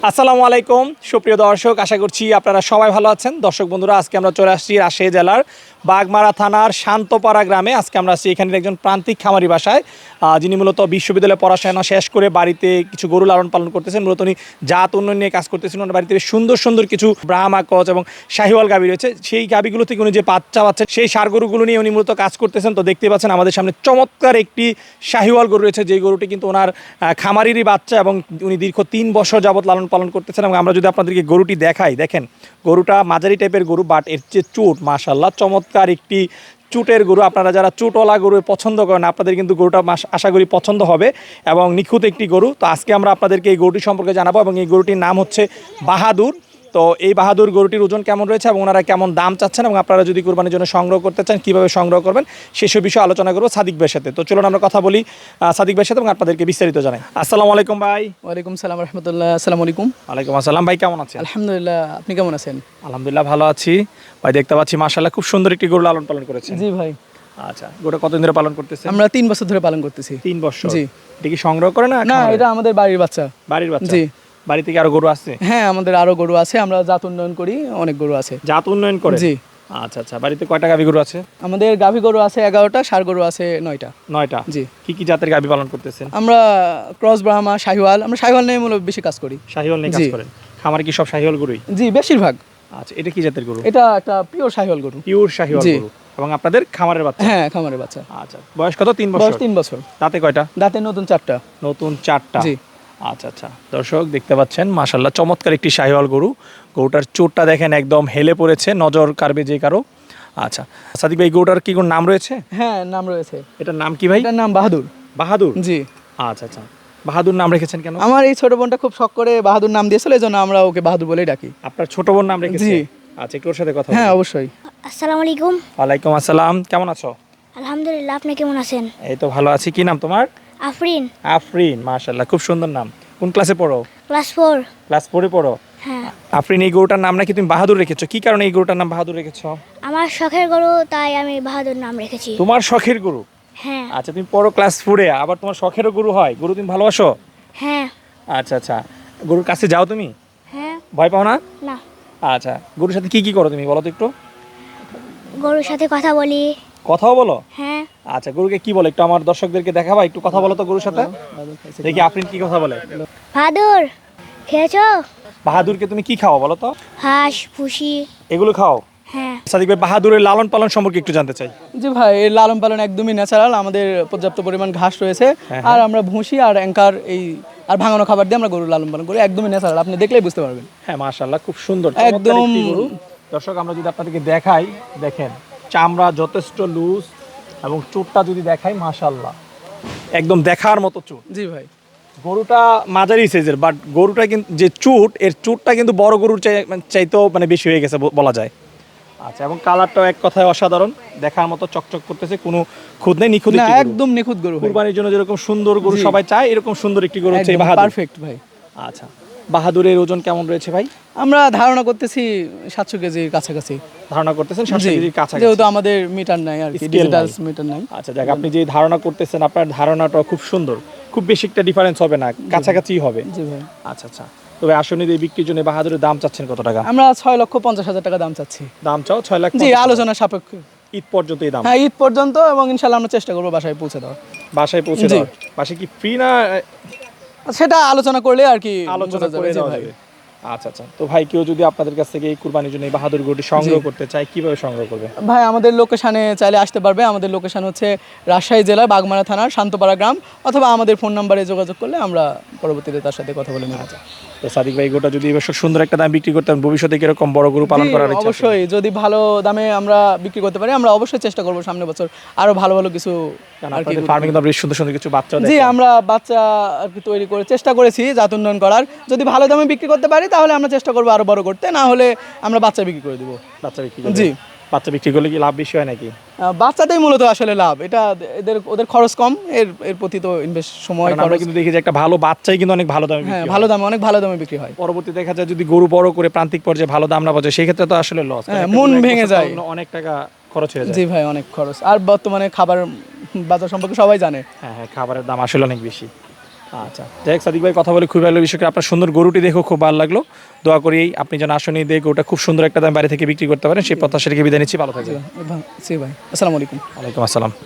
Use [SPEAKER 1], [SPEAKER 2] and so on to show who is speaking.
[SPEAKER 1] আসসালামু আলাইকুম সুপ্রিয় দর্শক, আশা করছি আপনারা সবাই ভালো আছেন। দর্শক বন্ধুরা, আজকে আমরা চলে আসছি রাজশাহী জেলার বাগমারা থানার শান্তপাড়া গ্রামে। আজকে আমরা আসছি এখানের একজন প্রান্তিক খামারি বাসায়, যিনি মূলত বিশ্ববিদ্যালয়ে পড়াশোনা শেষ করে বাড়িতে কিছু গরু লালন পালন করতেছেন। মূলত উনি জাত উন্নয়ন নিয়ে কাজ করতেছেন। ওনার বাড়িতে সুন্দর সুন্দর কিছু ব্রাহ্মা ক্রস এবং শাহিওয়াল গাভী রয়েছে। সেই গাভীগুলো থেকে উনি যে বাচ্চা পাচ্ছেন, সেই ষাঁড় গরুগুলো নিয়ে উনি মূলত কাজ করতেছেন। তো দেখতে পাচ্ছেন আমাদের সামনে চমৎকার একটি শাহিওয়াল গরু রয়েছে, যেই গরুটি কিন্তু ওনার খামারিরই বাচ্চা এবং উনি দীর্ঘ 3 বছর যাবত লালন পালন করতেছেন। এবং আমরা যদি আপনাদেরকে গরুটি দেখাই, দেখেন গরুটা মাঝারি টাইপের গরু, বাট এর যে চুট মাশাআল্লাহ চমৎকার একটি চুটের গরু। আপনারা যারা চুটওয়ালা গরু পছন্দ করেন, আপনাদের কিন্তু গরুটা আশা করি পছন্দ হবে এবং নিখুঁত একটি গরু। তো আজকে আমরা আপনাদেরকে এই গরুটি সম্পর্কে জানাবো এবং এই গরুটির নাম হচ্ছে বাহাদুর। তো এই বাহাদুর গরুটির ওজন কেমন রয়েছে এবং ওনারা কেমন দাম চাচ্ছেন এবং আপনারা যদি কুরবানির জন্য সংগ্রহ করতে চান কীভাবে সংগ্রহ করবেন সেসব বিষয়ে আলোচনা করবো সাদিক ভাইয়ের সাথে। তো চলুন আমরা কথা বলি সাদিক ভাইয়ের সাথে এবং আপনাদেরকে বিস্তারিত জানাই। আসসালামু আলাইকুম ভাই।
[SPEAKER 2] ওয়ালাইকুম সালাম রহমতুল্লাহ। আসসালামু আলাইকুম।
[SPEAKER 1] ওয়ালাইকুম আসসালাম ভাই, কেমন আছেন?
[SPEAKER 2] আলহামদুলিল্লাহ, আপনি কেমন আছেন?
[SPEAKER 1] আলহামদুলিল্লাহ ভালো আছি ভাই। দেখতে পাচ্ছি মাশাআল্লাহ খুব সুন্দর একটি গরু লালন পালন করেছেন।
[SPEAKER 2] জি ভাই।
[SPEAKER 1] আচ্ছা, গরুটা কতদিন ধরে পালন করতেছেন?
[SPEAKER 2] আমরা 3 বছর ধরে পালন করতেছি।
[SPEAKER 1] 3 বছর?
[SPEAKER 2] জি।
[SPEAKER 1] এটা কি সংগ্রহ করে না?
[SPEAKER 2] না, এটা আমাদের বাড়ির বাচ্চা।
[SPEAKER 1] বাড়ির বাচ্চা?
[SPEAKER 2] জি।
[SPEAKER 1] বাড়ি থেকে আরো গরু আছে?
[SPEAKER 2] হ্যাঁ, আমাদের আরো গরু আছে, আমরা জাত উন্নয়ন করি, অনেক গরু আছে।
[SPEAKER 1] জাত উন্নয়ন করে?
[SPEAKER 2] জি।
[SPEAKER 1] আচ্ছা আচ্ছা, বাড়িতে কয়টা গাভী গরু আছে?
[SPEAKER 2] আমাদের গাভী গরু আছে 11টা, ষাঁড় গরু আছে 9টা।
[SPEAKER 1] 9টা?
[SPEAKER 2] জি।
[SPEAKER 1] কি কি জাতের গাভী পালন করতেছেন?
[SPEAKER 2] আমরা ক্রস ব্রাহ্মা, শাহিওয়াল, আমরা শাহিওয়াল নিয়ে মূলত বেশি কাজ করি।
[SPEAKER 1] শাহিওয়াল নিয়ে কাজ করেন? খামারে কি সব শাহিওয়াল গরুই?
[SPEAKER 2] জি, বেশিরভাগ।
[SPEAKER 1] আচ্ছা, এটা কি জাতের গরু?
[SPEAKER 2] এটা একটা পিওর শাহিওয়াল গরু।
[SPEAKER 1] পিওর শাহিওয়াল গরু এবং আপনাদের খামারের বাচ্চা?
[SPEAKER 2] হ্যাঁ, খামারের বাচ্চা।
[SPEAKER 1] আচ্ছা, বয়স কত? 3 বছর?
[SPEAKER 2] বয়স 3 বছর।
[SPEAKER 1] দাঁতে কয়টা?
[SPEAKER 2] দাঁতে নতুন 4টা।
[SPEAKER 1] নতুন 4টা?
[SPEAKER 2] জি।
[SPEAKER 1] আচ্ছা আচ্ছা, দর্শক দেখতে পাচ্ছেন মাশাআল্লাহ চমৎকার একটি শাহিওয়াল গরু। গরুটার চোটটা দেখেন একদম হেলে পড়েছে, নজর কাড়বে যে কারো। আচ্ছা সাদিক ভাই, গরুটার কি কোনো নাম রয়েছে?
[SPEAKER 2] হ্যাঁ, নাম রয়েছে।
[SPEAKER 1] এটার নাম কি ভাই?
[SPEAKER 2] এটার নাম বাহাদুর।
[SPEAKER 1] বাহাদুর?
[SPEAKER 2] জি।
[SPEAKER 1] আচ্ছা আচ্ছা, বাহাদুর নাম রেখেছেন কেন?
[SPEAKER 2] আমার এই ছোট বোনটা খুব শখ করে বাহাদুর নাম দিয়েছিল, এই জন্য আমরা ওকে বাহাদুর বলেই ডাকি।
[SPEAKER 1] আপনার ছোট বোন নাম রেখেছে?
[SPEAKER 2] জি।
[SPEAKER 1] আচ্ছা, একটু ওর সাথে কথা
[SPEAKER 2] হ্যাঁ,
[SPEAKER 1] বলি।
[SPEAKER 2] অবশ্যই।
[SPEAKER 3] আসসালামু আলাইকুম।
[SPEAKER 1] ওয়ালাইকুম আসসালাম, কেমন আছো?
[SPEAKER 3] আলহামদুলিল্লাহ, আপনি কেমন আছেন?
[SPEAKER 1] এই তো ভালো আছি। কি নাম তোমার?
[SPEAKER 3] আফরিন।
[SPEAKER 1] আফরিন, মাশাআল্লাহ খুব সুন্দর নাম। কোন ক্লাসে পড়ো?
[SPEAKER 3] ক্লাস 4।
[SPEAKER 1] ক্লাস 4 পড়ো?
[SPEAKER 3] হ্যাঁ।
[SPEAKER 1] আফরিন, এই গরুটার নাম নাকি তুমি বাহাদুর রেখেছো? কি কারণে এই গরুটার নাম বাহাদুর রেখেছো?
[SPEAKER 3] আমার শখের গরু, তাই আমি বাহাদুর নাম রেখেছি।
[SPEAKER 1] তোমার শখের গরু?
[SPEAKER 3] হ্যাঁ।
[SPEAKER 1] আচ্ছা, তুমি পড়ো ক্লাস 4-এ, আবার তোমার শখেরও গরু হয়? গরু তুমি ভালোবাসো?
[SPEAKER 3] হ্যাঁ।
[SPEAKER 1] আচ্ছা আচ্ছা, গরুর কাছে যাও তুমি?
[SPEAKER 3] হ্যাঁ।
[SPEAKER 1] ভয় পাও না?
[SPEAKER 3] না।
[SPEAKER 1] আচ্ছা, গরুর সাথে কি কি করো তুমি বলো তো একটু?
[SPEAKER 3] গরুর সাথে কথা বলি।
[SPEAKER 1] কথাও বলো?
[SPEAKER 3] হ্যাঁ।
[SPEAKER 1] আচ্ছা, গরুকে কি বলে একটু আমার দর্শকদেরকে দেখাবা, একটু কথা বলো তো গরুর সাথে, দেখি আফরিন কি কথা বলে।
[SPEAKER 3] বাহাদুর, খেয়েছো?
[SPEAKER 1] বাহাদুরকে তুমি কি খাও বলো তো?
[SPEAKER 3] হাঁস, ভুসি।
[SPEAKER 1] এগুলো খাও?
[SPEAKER 3] হ্যাঁ।
[SPEAKER 1] সাদিক ভাই, বাহাদুরের লালন পালন সম্পর্কে একটু জানতে চাই।
[SPEAKER 2] জি ভাই, এর লালন পালন একদমই ন্যাচারাল। আমাদের পর্যাপ্ত পরিমাণ ঘাস রয়েছে,
[SPEAKER 1] হ্যাঁ,
[SPEAKER 2] আর আমরা ভুসি আর অ্যাঙ্কার আর ভাঙানো খাবার দিয়ে আমরা গরু লালন পালন করি। একদমই ন্যাচারাল, আপনি দেখলেই বুঝতে পারবেন।
[SPEAKER 1] হ্যাঁ মাশাআল্লাহ, খুব সুন্দর
[SPEAKER 2] একদম।
[SPEAKER 1] চমৎকার একটি গরু। দর্শক, আমরা যদি আপনাদেরকে দেখাই, দেখেন চামড়া যথেষ্ট লুজ এবং চুটটা যদি দেখাই মাশাআল্লাহ একদম দেখার মতো চুট।
[SPEAKER 2] জি ভাই।
[SPEAKER 1] গরুটা মাঝারি সাইজের, বাট গরুটা কিন্তু যে চুট, এর চুটটা কিন্তু বড় গরুর চাইতেও মানে বেশি হয়ে গেছে বলা যায়। আচ্ছা, এবং কালারটাও এক কথায় অসাধারণ, দেখার মতো চকচক করতেছে, কোনো খুঁত নেই, নিখুঁত
[SPEAKER 2] না,
[SPEAKER 1] একটি গরু।
[SPEAKER 2] একদম নিখুঁত গরু ভাই।
[SPEAKER 1] কুরবানির জন্য যেরকম সুন্দর গরু
[SPEAKER 2] জি।
[SPEAKER 1] সবাই চায়, এরকম সুন্দর একটি গরু হচ্ছে এই
[SPEAKER 2] একদম
[SPEAKER 1] বাহাদুর।
[SPEAKER 2] পারফেক্ট ভাই।
[SPEAKER 1] আচ্ছা, বাহাদুরের ওজন কেমন রয়েছে ভাই?
[SPEAKER 2] আমরা ধারণা করতেছি 700 কেজির কাছাকাছি।
[SPEAKER 1] ধারণা করতেছেন 700
[SPEAKER 2] জি,
[SPEAKER 1] কেজির কাছাকাছি?
[SPEAKER 2] যেহেতু আমাদের মিটার নাই আর কি,
[SPEAKER 1] Scale
[SPEAKER 2] ডিজিটাল
[SPEAKER 1] নাই।
[SPEAKER 2] মিটার নাই।
[SPEAKER 1] আচ্ছা যাক, আপনি যে ধারণা করতেছেন আপনার ধারণাটা খুব সুন্দর, খুব বেশি একটা ডিফারেন্স হবে না, কাছাকাছি হবে।
[SPEAKER 2] জি ভাই।
[SPEAKER 1] আচ্ছা আচ্ছা, তবে আসলে এই বিক্রির জন্য বাহাদুরের দাম চাচ্ছেন কত টাকা?
[SPEAKER 2] আমরা 6,50,000 টাকা দাম চাচ্ছি।
[SPEAKER 1] দাম চাও 6 লাখ?
[SPEAKER 2] জি, আলোচনা সাপেক্ষে।
[SPEAKER 1] ঈদ পর্যন্ত এই দাম?
[SPEAKER 2] হ্যাঁ, ঈদ পর্যন্ত, এবং ইনশাআল্লাহ আমরা চেষ্টা করবো বাসায় পৌঁছে দেওয়ার।
[SPEAKER 1] বাসায় পৌঁছে
[SPEAKER 2] জি।
[SPEAKER 1] দাও? বাসায় কি ফ্রি না
[SPEAKER 2] সেটা আলোচনা করলে আর কি
[SPEAKER 1] আলোচনা
[SPEAKER 2] বোঝা
[SPEAKER 1] করে
[SPEAKER 2] যাবে। জি
[SPEAKER 1] দেওয়া
[SPEAKER 2] ভাই।
[SPEAKER 1] যাবে? আচ্ছা আচ্ছা, তো ভাই কেউ যদি আপনাদের কাছ থেকে এই কুরবানির জন্য এই বাহাদুর গরুটি সংগ্রহ করতে চায়, কিভাবে সংগ্রহ করবে?
[SPEAKER 2] ভাই, আমাদের লোকেশানে চাইলে আসতে পারবে। আমাদের লোকেশান হচ্ছে রাজশাহী জেলার বাগমারা থানার শান্তপাড়া গ্রাম, অথবা আমাদের ফোন নাম্বারে যোগাযোগ করলে আমরা পরবর্তীতে তার সাথে কথা বলে নেব।
[SPEAKER 1] তো সাদিক ভাই, গোটা যদি এবার সুন্দর একটা দাম বিক্রি করতেন, ভবিষ্যতে কিরকম বড় গরু পালন
[SPEAKER 2] জি,
[SPEAKER 1] করার ইচ্ছা আছে?
[SPEAKER 2] অবশ্যই যদি ভালো দামে আমরা বিক্রি করতে পারি, আমরা অবশ্যই চেষ্টা করবো সামনের বছর আরো ভালো ভালো কিছু
[SPEAKER 1] কারণ
[SPEAKER 2] আর কি।
[SPEAKER 1] আপনাদের ফার্মিং তো বেশ সুন্দর সুন্দর কিছু বাচ্চা
[SPEAKER 2] জি, আমরা বাচ্চা আর কি তৈরি করে চেষ্টা করেছি জাত উন্নয়ন করার। যদি ভালো দামে বিক্রি করতে পারি তাহলে আমরা চেষ্টা করবো আরো বড় করতে, না হলে আমরা বাচ্চা বিক্রি করে দিব।
[SPEAKER 1] বাচ্চা বিক্রি করবে?
[SPEAKER 2] জি।
[SPEAKER 1] বাচ্চা বিক্রি করলে কি লাভ বেশি হয় নাকি?
[SPEAKER 2] বাচ্চাটাই মূলত আসলে লাভ, এটা ওদের খরচ কম, এর প্রতি তো ইনভেস্ট সময়
[SPEAKER 1] কারণ আমরা
[SPEAKER 2] খরচ।
[SPEAKER 1] কিন্তু দেখি যে একটা ভালো বাচ্চাই কিন্তু অনেক ভালো দামে
[SPEAKER 2] হ্যাঁ,
[SPEAKER 1] বিক্রি
[SPEAKER 2] ভালো
[SPEAKER 1] হয়।
[SPEAKER 2] দামে, অনেক ভালো দামে বিক্রি হয়।
[SPEAKER 1] পরবর্তী দেখা যায় যদি গরু বড় করে প্রান্তিক পর্যায়ে ভালো দাম না পাওয়া, সেই ক্ষেত্রে তো আসলে লস,
[SPEAKER 2] হ্যাঁ, মন ভেঙে যায়।
[SPEAKER 1] অনেক টাকা খরচ হয়ে যায়।
[SPEAKER 2] জি ভাই, অনেক খরচ। আর বর্তমানে খাবার বাজার সম্পর্কে সবাই জানে।
[SPEAKER 1] হ্যাঁ হ্যাঁ, খাবারের দাম আসলে অনেক বেশি। আচ্ছা, যাই হোক সাদিক ভাই, কথা বলে খুবই ভালো, বিশেষ করে আপনার সুন্দর গরুটি দেখেও খুব ভালো লাগলো। দোয়া করি আপনি যেন আসনে দিয়ে গরুটা খুব সুন্দর একটা দাম বাড়ি থেকে বিক্রি করতে পারেন, সেই প্রত্যাশা রেখে বিদায় নিচ্ছি। ভালো থাকবেন।
[SPEAKER 2] জি ভাই, আসসালামু আলাইকুম।
[SPEAKER 1] ওয়ালাইকুম আসসালাম।